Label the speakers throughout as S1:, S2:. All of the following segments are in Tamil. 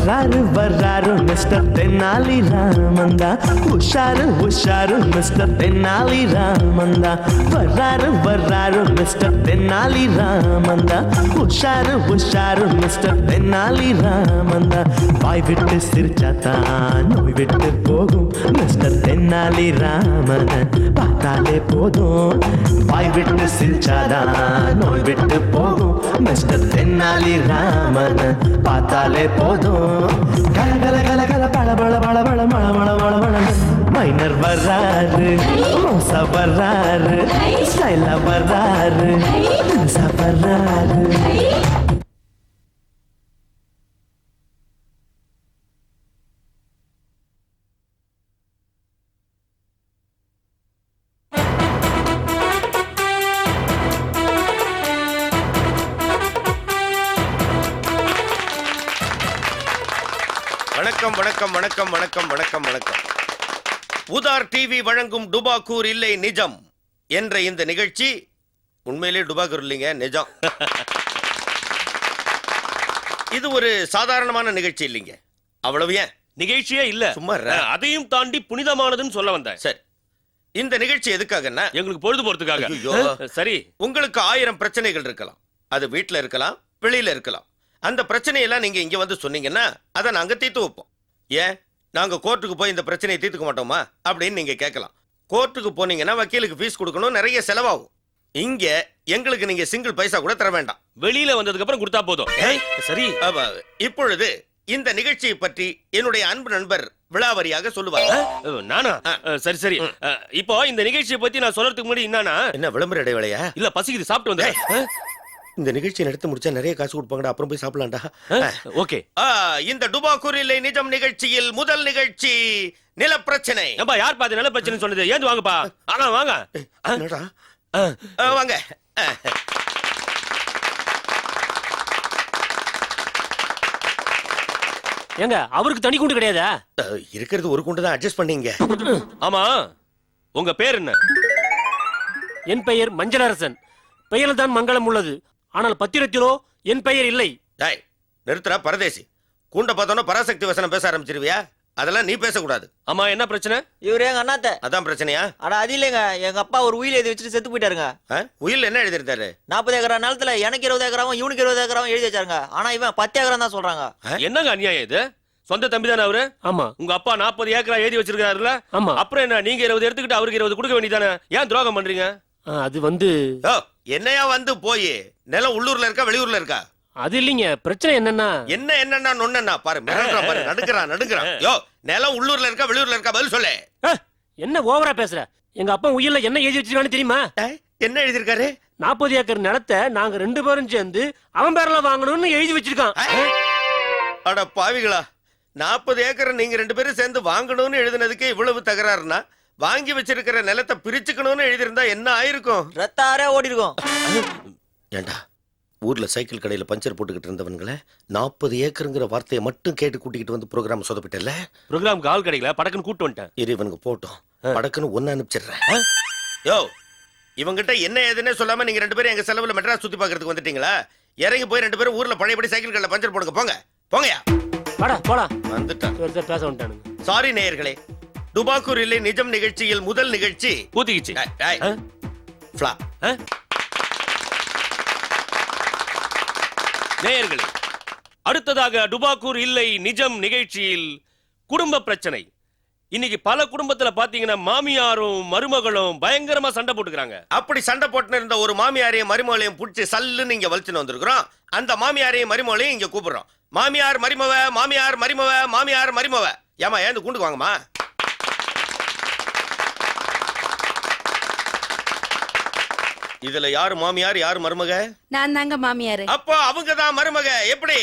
S1: வர்றாரு வர்றாரு மிஸ்டர் தென்னாலி ராமந்தா, உஷாரு உஷாரு மிஸ்டர் தென்னாலி ராமந்தா. வர்றாரு வர்றாரு மிஸ்டர் தென்னாலி ராமந்தா, உஷாரு உஷாரு மிஸ்டர் தென்னாலி ராமந்தா. வாய் விட்டு சிரிச்சாத்தான் நோய் விட்டு போகும் மிஸ்டர் தென்னாலி ராமன் பார்த்தாலே போதும். வாய் விட்டு சிரிச்சாதான் நோய் விட்டு போகும் மிஸ்டர் தென்னாலி ராமன் பார்த்தாலே போதும். கல கல கல கல பழ பழ பழ பழ மழ மழ மழ மழ. மைனர் வர்றாரு, மோசா வர்றாரு, ஸ்டைலா வர்றாரு, வர்றாரு.
S2: வணக்கம் வணக்கம் வணக்கம் வணக்கம் வணக்கம் வணக்கம். உதார் டிவி வழங்கும் டுபாக்கூர் இல்லை நிஜம் என்ற இந்த நிகழ்ச்சி உண்மையிலே டுபாக்கூர் இல்லைங்க, நிஜம். இது ஒரு சாதாரணமான நிகழ்ச்சி இல்லைங்க. அவ்வளவு ஏன்
S3: நிகழ்ச்சியே இல்ல,
S2: சும்மா
S3: அதையும் தாண்டி புனிதமானதுன்னு சொல்ல வந்தேன்.
S2: சரி, இந்த நிகழ்ச்சி எதுக்காகன்னா
S3: எங்களுக்கு பொழுது போறதுக்காக. சரி,
S2: உங்களுக்கு 1000 பிரச்சனைகள் இருக்கலாம். அது வீட்டுல இருக்கலாம், வெளியில இருக்கலாம். அந்த பிரச்சனையெல்லாம் நீங்க இங்க வந்து சொன்னீங்கன்னா அதை நாங்க தீர்த்து வைப்போம். ஏன் நாங்க கோர்ட்டுக்கு போய் இந்த பிரச்சனையை தீர்த்துக்க மாட்டோமா அப்படின்னு நீங்க கேட்கலாம். கோர்ட்டுக்கு போனீங்கன்னா வக்கீலுக்கு ஃபீஸ் கொடுக்கணும், நிறைய செலவாகும். இங்க எங்களுக்கு நீங்க சிங்கிள் பைசா கூட தர வேண்டாம்.
S3: வெளியில வந்ததுக்கு அப்புறம் கொடுத்தா போதும். சரி,
S2: இப்பொழுது இந்த நிகழ்ச்சியை பற்றி என்னுடைய அன்பு நண்பர் விளாவரியாக சொல்லுவார்.
S3: நானா? சரி சரி. இப்போ இந்த நிகழ்ச்சியை பத்தி நான் சொல்றதுக்கு முன்னாடி
S2: என்ன விளம்பர இடைவேளையா?
S3: இல்ல, பசிக்குது, சாப்பிட்டு வந்தேன்.
S2: இந்த நிகழ்ச்சி நடத்த முடிச்சா நிறைய காசு கொடுப்பாங்கடா, அப்புறம் போய் சாப்பிடலாம்டா.
S3: ஓகே.
S2: இந்த டுபாக்கூர் இல்லை நிஜம் நிகழ்ச்சியில் முதல் நிகழ்ச்சி நிலப்பிரச்சனை.
S3: ஏம்பா, யார் பாத்து நில பிரச்சனை சொன்னது? ஏந்து வாங்கப்பா. ஆனா வாங்க
S2: வாங்க.
S4: ஏங்க, அவருக்கு தனி குண்டு கிடையாதா?
S2: இருக்கிறது ஒரு குண்டு தான், அட்ஜஸ்ட் பண்ணீங்க.
S3: ஆமா, உங்க பேர் என்ன?
S4: என் பெயர் மஞ்சளரசன். பெயரில் தான் மங்களம் உள்ளது, ஆனால் பத்திரத்திலோ என் பெயர் இல்லை.
S2: நிறுத்துறா பரதேசி. கூண்ட பார்த்தோன்னா பராசக்தி வசனம் பேச ஆரம்பிச்சிருவியா? அதெல்லாம் நீ பேசக்கூடாது.
S3: ஆமா, என்ன பிரச்சனை?
S5: இவரு எங்க அண்ணாத்த.
S2: அதான் பிரச்சனையா?
S5: அட அது இல்லைங்க, எங்க அப்பா ஒரு உயில் எழுதி வச்சுட்டு செத்து போயிட்டாருங்க.
S2: உயில் என்ன எழுதிருந்தாரு?
S5: 40 ஏக்கரா நிலத்துல எனக்கு 20 ஏக்கராவும் இவனுக்கு 20 ஏக்கராவும் எழுதி வச்சாருங்க. ஆனா இவன் 10 ஏக்கரம் தான் சொல்றாங்க.
S3: என்னங்க அநியாயம் இது? சொந்த தம்பி தானே அவரு?
S4: ஆமா.
S3: உங்க அப்பா 40 ஏக்கரா எழுதி வச்சிருக்காருல்ல?
S4: ஆமா.
S3: அப்புறம் என்ன, நீங்க 20 எடுத்துக்கிட்டு அவருக்கு 20 கொடுக்க வேண்டியதானே? ஏன் துரோகம் பண்றீங்க?
S4: அது வந்து
S2: என்னையா வந்து போய் நிலம் உள்ளூர்ல இருக்கா வெளியூர்ல இருக்கா?
S4: அது இல்லைங்க, பிரச்சனை என்னன்னா
S2: என்னன்னா நொன்னா பாரு, பாரு, நடுக்குறான். யோ, நிலம் உள்ளூர்ல இருக்கா வெளியூர்ல இருக்கா? பதில் சொல்லு.
S4: என்ன ஓவரா பேசுற? எங்க அப்பா உயிர்ல என்ன எழுதி வச்சிருக்கான்னு தெரியுமா?
S2: என்ன எழுதிருக்காரு?
S4: 40 ஏக்கர் நிலத்தை நாங்க 2 பேரும் சேர்ந்து அவன் பேர்ல வாங்கணும்னு எழுதி வச்சிருக்கான்.
S2: அட பாவிகளா, 40 ஏக்கர் நீங்க 2 பேரும் சேர்ந்து வாங்கணும்னு எழுதினதுக்கு இவ்வளவு தகராறுனா, வாங்கி வச்சிருக்கிற நிலத்தை பிரிச்சுக்கணும்னு எழுதியிருந்தா என்ன ஆயிருக்கும்?
S5: ரத்தாரே ஓடி இருக்கும்.
S2: ஏண்டா, ஊர்ல சைக்கிள் கடையில பஞ்சர் போட்டுக்கிட்டு இருந்தவன்களை 40 ஏக்கருங்கிற வார்த்தையை மட்டும் கேட்டு கூட்டிக்கிட்டு வந்து ப்ரோக்ராம் சொதப்பிட்டல.
S3: ப்ரோக்ராம் கால் கிடைக்கல, படக்குன்னு கூட்டு வந்துட்டேன்.
S2: இவனுக்கு போட்டோம், படக்குன்னு ஒன்னு அனுப்பிச்சிடுறேன். யோ, இவங்கிட்ட என்ன ஏதுன்னே சொல்லாம நீங்க 2 பேரும் எங்க செலவுல மெட்ராஸ் சுத்தி பாக்குறதுக்கு வந்துட்டீங்களா? இறங்கி போய் 2 பேரும் ஊர்ல பழையபடி சைக்கிள் கடையில பஞ்சர் போடுங்க. போங்க போங்கயா.
S4: போடா
S2: வந்துட்டான்.
S4: பேச வந்துட்டானுங்க.
S2: சாரி நேயர்களே, டுபாக்கூர் இல்லை நிஜம் நிகழ்ச்சியில் முதல் நிகழ்ச்சி
S3: ஊத்திக்கிச்சு. நேயர்களே, அடுத்ததாக டுபாக்கூர் இல்லை நிஜம் நிகழ்ச்சியில் குடும்ப பிரச்சனை. இன்னைக்கு பல குடும்பத்துல பாத்தீங்கன்னா மாமியாரும் மருமகளும் பயங்கரமா சண்டை போட்டுக்கிறாங்க.
S2: அப்படி சண்டை போட்டு இருந்த ஒரு மாமியாரையும் மருமகளையும் புடிச்சு சல்லுன்னு இங்க வலிச்சுன்னு வந்திருக்கிறோம். அந்த மாமியாரையும் மருமகளையும் இங்க கூப்பிடுறோம். மாமியார் மருமவ, மாமியார் மருமவ, மாமியார் மருமவ. ஏமா ஏந்து கூண்டுக்கு வாங்கம்மா. இதுல யாரு மாமியார் யாரு மருமக?
S6: நான் தாங்க மாமியாரு.
S2: அப்போ அவங்க தான் மருமக. எப்படி?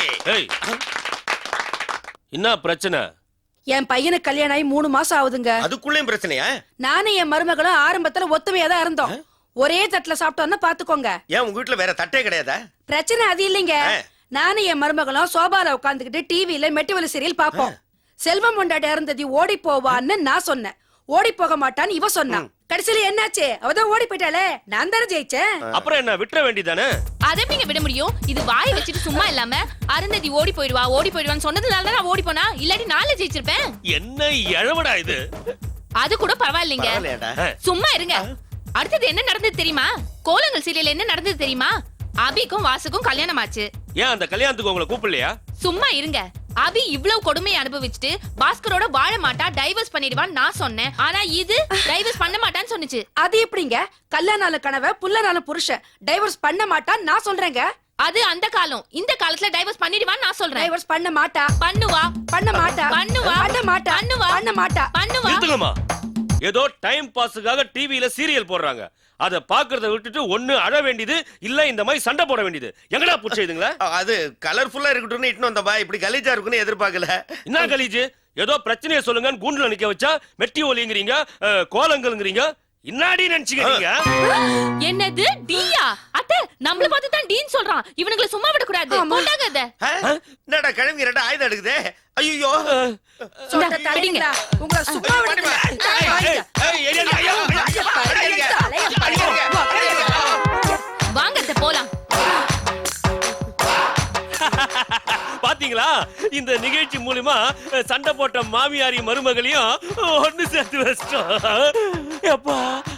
S3: என்ன பிரச்சனை?
S6: என் பையனுக்கு கல்யாணம் ஆகி 3 மாசம் ஆகுதுங்க.
S2: அதுக்குள்ளேயும் பிரச்சனையா?
S6: நானும் என் மருமகளும் ஆரம்பத்துல ஒத்துமையா தான் இருந்தோம். ஒரே தட்டுல சாப்பிட்டோம்னா பாத்துக்கோங்க.
S2: ஏன் உங்க வீட்டுல வேற தட்டே கிடையாதா?
S6: பிரச்சனை அது இல்லைங்க. நானும் என் மருமகளும் சோபால உட்காந்துக்கிட்டு டிவில மெட்டுவலி சீரியல் பாப்போம். செல்வம் கொண்டாடி இருந்தது ஓடி போவான்னு நான் சொன்னேன். ஓடி போக மாட்டான்னு இவ சொன்னான். கடைசியில என்னாச்சு? அவதான் ஓடி போயிட்டாளே, நான் தானே ஜெயிச்சேன்.
S3: அப்புறம் என்ன, விட்டுற வேண்டியதானே?
S7: அதை எப்படிங்க விட முடியும்? இது வாய் வச்சுட்டு சும்மா இல்லாம அருந்ததி ஓடி போயிடுவான்னு சொன்னதுனால தான் நான் ஓடி போனா, இல்லாட்டி நாளை ஜெயிச்சிருப்பேன்.
S3: என்ன எழவடா இது?
S7: அது கூட பரவாயில்லைங்க.
S2: பரவாயில்லையாடா?
S7: சும்மா இருங்க. அடுத்தது என்ன நடந்தது தெரியுமா? கோலங்கள் சீரியல் என்ன நடந்தது தெரியுமா? அபிக்கும் வாசுக்கும் கல்யாணம் ஆச்சு.
S3: ஏன் அந்த கல்யாணத்துக்கு உங்களை கூப்பிடலையா?
S7: சும்மா இருங்க. அபி இவ்வளவு கொடுமையை அனுபவிச்சுட்டு பாஸ்கரோட வாழ மாட்டா, டைவர்ஸ் பண்ணிடுவான்னு நான் சொன்னேன். ஆனா இது டைவர்ஸ் பண்ண மாட்டான்னு சொன்னுச்சு.
S6: அது எப்படிங்க? கல்யாணால கனவை புல்லனால புருஷன் டைவர்ஸ் பண்ண மாட்டான்னு நான் சொல்றேங்க.
S7: அது அந்த காலம். இந்த காலத்துல டைவர்ஸ் பண்ணிடுவான்னு நான் சொல்றேன்.
S6: டைவர்ஸ் பண்ண மாட்டா.
S7: பண்ணுவா.
S6: பண்ண மாட்டா.
S7: பண்ணுவா.
S6: பண்ண மாட்டா.
S7: பண்ணுவா.
S6: பண்ண மாட்டா.
S7: பண்ணுவா.
S3: நிறுத்துங்கம்மா. ஏதோ டைம் பாஸுக்காக டிவியில சீரியல் போடுறாங்க. அத பாக்குறத விட்டுட்டு ஒண்ணு அழ வேண்டியது, இல்ல இந்த மாதிரி சண்டை போட வேண்டியது. எங்கடா புடிச்சதுங்களா?
S2: அது கலர்ஃபுல்லா இருக்கட்டும்னு இட்டுன்னு வந்தப்பா. இப்படி கலீஜா இருக்குன்னு எதிர்பார்க்கல.
S3: என்ன கலீஜ்? ஏதோ பிரச்சனையை சொல்லுங்கன்னு கூண்டுல நிக்க வச்சா மெட்டி ஒலிங்கிறீங்க, கோலங்கள்ங்கிறீங்க. இன்னாடி நினைச்சுக்கிறீங்க?
S7: என்னது டீயா? அத்தை நம்மள பார்த்து தான் டீன் சொல்றான். இவனுங்களை சும்மா விட கூடாது. கொண்டாங்க அத.
S2: என்னடா கிழவி ரெண்டு ஆயுதம் எடுக்குதே. ஐயோ
S6: சொல்ற தலைங்களா? உங்களை சும்மா விடுங்க.
S7: வாங்க அத்தை போலாம்.
S3: பாத்தீங்களா? இந்த நிகழ்ச்சி மூலமா சண்டை போட்ட மாமியாரி மருமகளையும் ஒண்ணு சேர்த்து வச்சிட்டோம். அப்பா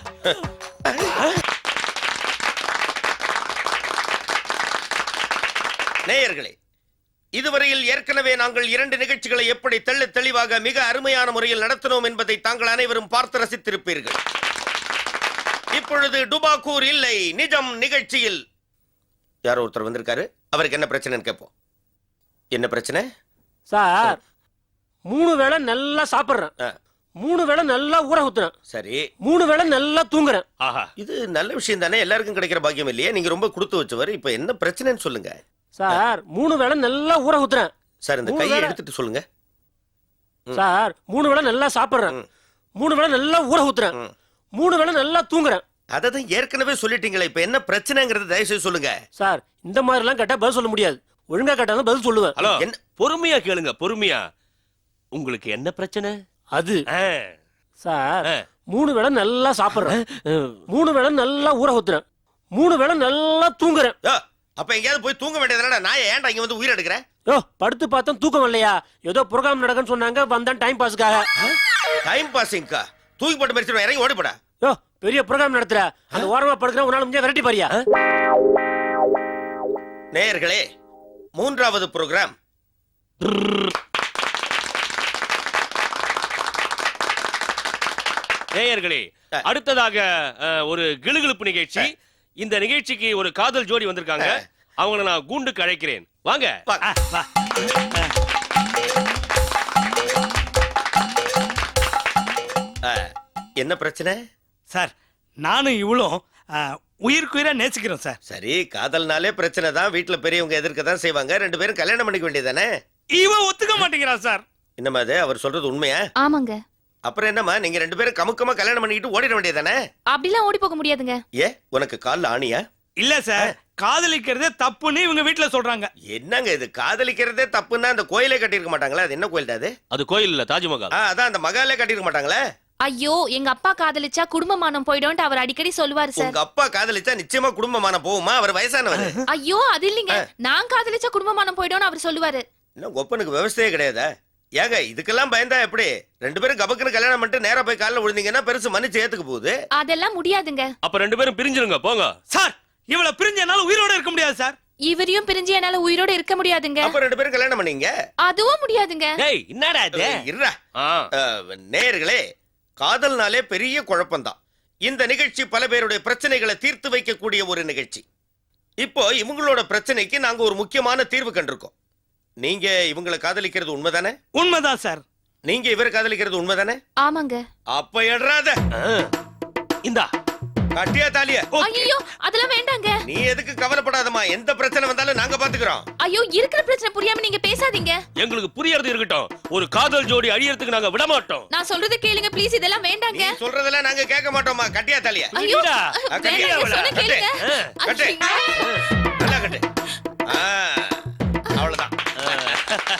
S2: நேயர்களே, இதுவரையில் ஏற்கனவே நாங்கள் 2 நிகழ்ச்சிகளை எப்படி தெளிவாக மிக அருமையான முறையில் நடத்தினோம் என்பதை தாங்கள் அனைவரும் பார்த்து ரசித்திருப்பீர்கள். இப்பொழுது டுபாக்கூர் இல்லை நிஜம் நிகழ்ச்சியில் யாரோ ஒருத்தர் வந்திருக்காரு. அவருக்கு என்ன பிரச்சனைன்னு கேட்போம். என்ன பிரச்சனை
S4: சார்? 3 வேளை நல்லா சாப்பிடுறேன், 3 வேளை நல்லா ஊற ஊத்துறேன்,
S2: சரி
S4: 3 வேளை நல்லா தூங்குறேன்.
S3: ஆஹா,
S2: இது நல்ல விஷயம் தானே. எல்லாருக்கும் கிடைக்கிற பாக்கியம் இல்லையே. நீங்க ரொம்ப கொடுத்து வச்சவர். இப்ப என்ன பிரச்சனைன்னு சொல்லுங்க
S4: சார். 3 வேளை நல்லா ஊற ஊத்துறேன்
S2: சார். இந்த கையை எடுத்துட்டு சொல்லுங்க
S4: சார். 3 வேளை நல்லா சாப்பிடுறேன், 3 வேளை நல்லா ஊற ஊத்துறேன், 3 வேளை நல்லா தூங்குறேன்.
S2: அததான் ஏற்கனவே சொல்லிட்டீங்களே. இப்ப என்ன பிரச்சனைங்கிறது தயவுசெய்து சொல்லுங்க
S4: சார். இந்த மாதிரி எல்லாம் கேட்டா பதில் சொல்ல முடியாது. ஒழுங்கா கேட்டாலும் பதில் சொல்லுவேன்.
S3: ஹலோ,
S2: என்ன?
S3: பொறுமையா கேளுங்க, பொறுமையா. உங்களுக்கு என்ன பிரச்சனை?
S4: அது
S3: ஆ,
S4: சார்,
S3: ஆ.
S4: 3 வேளை நல்லா சாப்பிடுறேன், 3 வேளை நல்லா ஊற ஊத்துறேன், 3 வேளை நல்லா தூங்குறேன்.
S2: யோ, அப்ப எங்கேயாவது போய் தூங்க வேண்டியதுனா நான் ஏன்டா இங்க வந்து உயிர் எடுக்கிறேன்?
S4: யோ, படுத்து பார்த்தா தூக்கம் இல்லையா? ஏதோ ப்ரோகிராம் நடக்குன்னு சொன்னாங்க, வந்தான் டைம் பாஸ்க்காக.
S2: டைம் பாசிங்கா? தூக்கி போட்டு மறிச்சிடும். இறங்கி ஓடி போடா.
S4: யோ, பெரிய ப்ரோகிராம் நடத்துற, அந்த ஓரமா படுக்கிற ஒரு நாள் முடிஞ்சா விரட்டி பாரியா?
S2: நேயர்களே, 3வது ப்ரோகிராம்
S3: நேயர்களே, அடுத்ததாக ஒரு கிளுகிளுப்பு நிகழ்ச்சி. இந்த நிகழ்ச்சிக்கு ஒரு காதல் ஜோடி வந்திருக்காங்க. அவங்கள நான் கூண்டுக்கு அழைக்கிறேன். வாங்க.
S2: என்ன பிரச்சனை
S8: சார்? நானும் இவ்வளோ உயிருக்குயிரா நேசிக்கிறோம் சார்.
S2: சரி, காதல்னாலே பிரச்சனை தான். வீட்டுல பெரியவங்க எதிர்க்க தான் செய்வாங்க. 2 பேரும் கல்யாணம் பண்ணிக்க வேண்டியதானே.
S8: இவன் ஒத்துக்க மாட்டேங்கிறான் சார்.
S2: என்னம்மா அது? அவர் சொல்றது உண்மையா?
S7: ஆமாங்க.
S2: அப்புறம் என்னம்மா, நீங்க 2 பேரும் கமுக்கமா கல்யாணம் பண்ணிக்கிட்டு ஓடிட வேண்டியதானே?
S7: அப்படிலாம் ஓடி போக முடியாதுங்க.
S2: ஏ, உனக்கு கால்ல ஆணியா?
S8: இல்ல சார், காதலிக்கிறதே தப்புன்னு இவங்க வீட்டுல சொல்றாங்க.
S2: என்னங்க இது? காதலிக்கிறதே தப்புன்னா அந்த கோயிலே கட்டியிருக்க மாட்டாங்களா? அது என்ன கோயில் அது?
S3: அது கோயில் இல்ல, தாஜ்மஹால்.
S2: அதான் அந்த மகாலே கட்டியிருக்க மாட்டாங்களே.
S7: ஐயோ, எங்க அப்பா காதலிச்சா குடும்பமானம் போய்டும்னு அவர் அடிக்கடி சொல்லுவாரு சார்.
S2: உங்க அப்பா காதலிச்சா நிச்சயமா குடும்பமான போகுமா? அவர் வயசானவர்.
S7: ஐயோ, அது இல்லைங்க. நான் காதலிச்சா குடும்பமானம் போய்டும்னு அவர் சொல்லுவாரு.
S2: இன்னும் ஒப்பனுக்கு விவசாயே கிடையாதா? ஏங்க, இதுக்கெல்லாம் பயந்தா எப்படி? 2 பேரும் கபக்குன்னு கல்யாணம் பண்ணிட்டு நேரா போய் காலில் விழுந்தீங்கன்னா பெருசு மன்னிச்சு ஏத்துக்க போகுது.
S7: அதெல்லாம் முடியாதுங்க.
S3: அப்ப 2 பேரும் பிரிஞ்சிருங்க, போங்க.
S8: சார், இவளை பிரிஞ்ச என்னால உயிரோட இருக்க முடியாது சார்.
S7: இவரையும் பிரிஞ்சு என்னால உயிரோட இருக்க முடியாதுங்க.
S2: அப்ப 2 பேரும் கல்யாணம் பண்ணீங்க.
S7: அதுவும் முடியாதுங்க.
S3: டேய், என்னடா இது?
S2: இருடா.
S3: ஆ,
S2: நேயர்களே, காதல்னாலே பெரிய குழப்பம்தான். இந்த நிகழ்ச்சி பல பேருடைய பிரச்சனைகளை தீர்த்து வைக்கக்கூடிய ஒரு நிகழ்ச்சி. இப்போ இவங்களோட பிரச்சனைக்கு நாங்க ஒரு முக்கியமான தீர்வு கண்டிருக்கோம். நீங்க இவங்களை காதலிக்கிறது உண்மைதானே?
S8: உண்மைதான் சார்.
S2: நீங்க இவர் காதலிக்கிறது உண்மைதானே?
S7: ஆமாங்க.
S2: அப்ப எட்றாத.
S3: இந்தா
S2: கட்டியா தாலியா?
S7: ஐயோ, அதெல்லாம் வேண்டாங்க.
S2: நீ எதுக்கு கவலைப்படாதம்மா. எந்த பிரச்சனை வந்தாலும் நாங்க பாத்துக்கிறோம்.
S7: ஐயோ, இருக்கிற பிரச்சனை புரியாம நீங்க பேசாதீங்க.
S3: எங்களுக்கு புரியறது இருக்கட்டும். ஒரு காதல் ஜோடி அழியறதுக்கு நாங்க விட மாட்டோம்.
S7: நான் சொல்றத கேளுங்க ப்ளீஸ். இதெல்லாம் வேண்டாங்க.
S2: நீ சொல்றதெல்லாம் நாங்க கேட்க மாட்டோம்மா. கட்டியா தாலியா?
S7: ஐயோ,
S2: கட்டியா
S7: வேண்டாங்க, சொன்னா கேளுங்க.
S2: கட்டு. நல்லா கட்டு. அவ்வளவுதான்.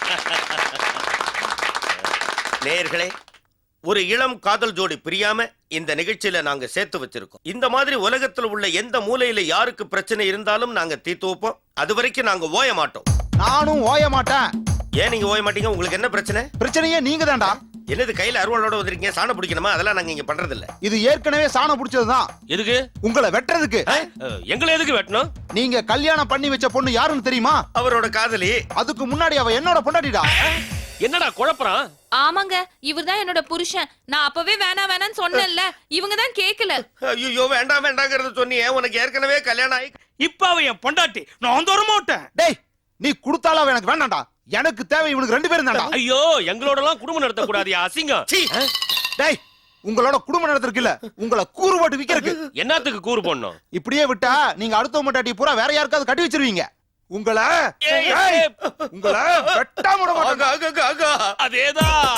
S2: நேயர்களே, ஒரு இளம் காதல் ஜோடி பிரியாம இந்த நிகழ்ச்சியில நாங்க சேர்த்து வச்சிருக்கோம். இந்த மாதிரி உலகத்துல உள்ள எந்த மூலையில யாருக்கு பிரச்சனை இருந்தாலும் நாங்க தீர்த்து வைப்போம். அது வரைக்கும் நாங்க ஓய மாட்டோம்.
S9: நானும் ஓய மாட்டேன்.
S2: ஏன் நீங்க ஓய மாட்டீங்க? உங்களுக்கு என்ன பிரச்சனை?
S9: பிரச்சனையே நீங்க தான்டா.
S2: என்னது கையில அருவாளோட வந்திருக்கீங்க? சாணம் பிடிக்கணுமா? அதெல்லாம் நாங்க இங்க பண்றது இல்ல.
S9: இது ஏற்கனவே சாணம் பிடிச்சதுதான்.
S3: எதுக்கு?
S9: உங்களை வெட்டுறதுக்கு.
S3: எங்களை எதுக்கு வெட்டணும்?
S9: நீங்க கல்யாணம் பண்ணி வச்ச பொண்ணு யாருன்னு தெரியுமா?
S2: அவரோட காதலி.
S9: அதுக்கு முன்னாடி அவ என்னோட பொண்டாட்டிடா.
S3: என்னடா குழப்பறான்?
S7: ஆமாங்க, இவர்தான் என்னோட புருஷன். நான் அப்பவே வேணான்னு சொன்னேன்ல, இவங்க தான் கேக்கல.
S2: ஐயோ வேண்டாம் வேண்டாங்கிறத சொன்னியே. உனக்கு ஏற்கனவே கல்யாணம் ஆகி
S8: இப்ப அவன் என் பொண்டாட்டி, நான் தர மாட்டேன்.
S9: டேய், நீ கொடுத்தாலும் அவ எனக்கு வேண்டாம்டா. எனக்கு தேவை இவனுக்கு 2 பேரும் தான்டா.
S3: ஐயோ, எங்களோட எல்லாம் குடும்பம் நடத்த கூடாதியா, அசிங்கம்.
S2: சீ.
S9: டேய், உங்களோட குடும்பம் நடத்திருக்கு இல்ல, உங்களை கூறு போட்டு விக்கிறதுக்கு.
S3: என்னத்துக்கு கூறு போடணும்?
S9: இப்படியே விட்டா நீங்க அடுத்த பொண்டாட்டி பூரா வேற யாருக்காவது கட்டி வச்சிருவீங்க. உங்களை உங்களை வெட்டாம விட மாட்டேன்.
S3: அதேதான்.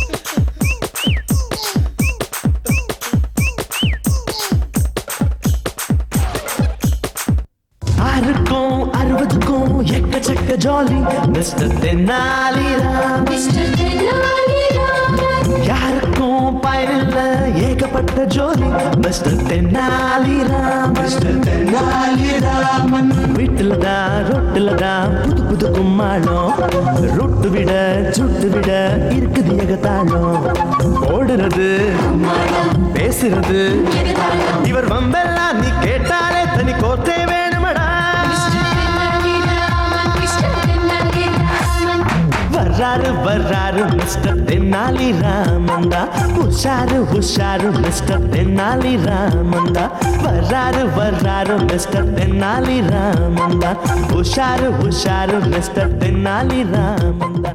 S1: ஆறுக்கும் 60க்கும் எக்கச்சக்க ஜாலி மிஸ்டர் தென்னாலிராம். யாருக்கும் பயனில்ல ஏகப்பட்ட ஜோலி மிஸ்டர் தென்னாலிராம். மிஸ்டர் தென்னாலிராமன் வீட்டுல தான் ரொட்டுல தான் புது புது கும்மாளம். ரொட்டு விட சுட்டு விட இருக்குது ஏகத்தாளம். ஓடுறது பேசுறது இவர் வம்பெல்லாம் நீ கேட்டாலே தனி கோத்தே வேணுமடா. வர்றாரு மிஸ்டர் தென்னாலி ராமந்தா. உஷாரு மிஸ்டர் தென்னாலி ராமந்தா. வர்றாரு மிஸ்டர் தென்னாலி ராமந்தா. உஷாரு மிஸ்டர் தென்னாலி ராமந்தா.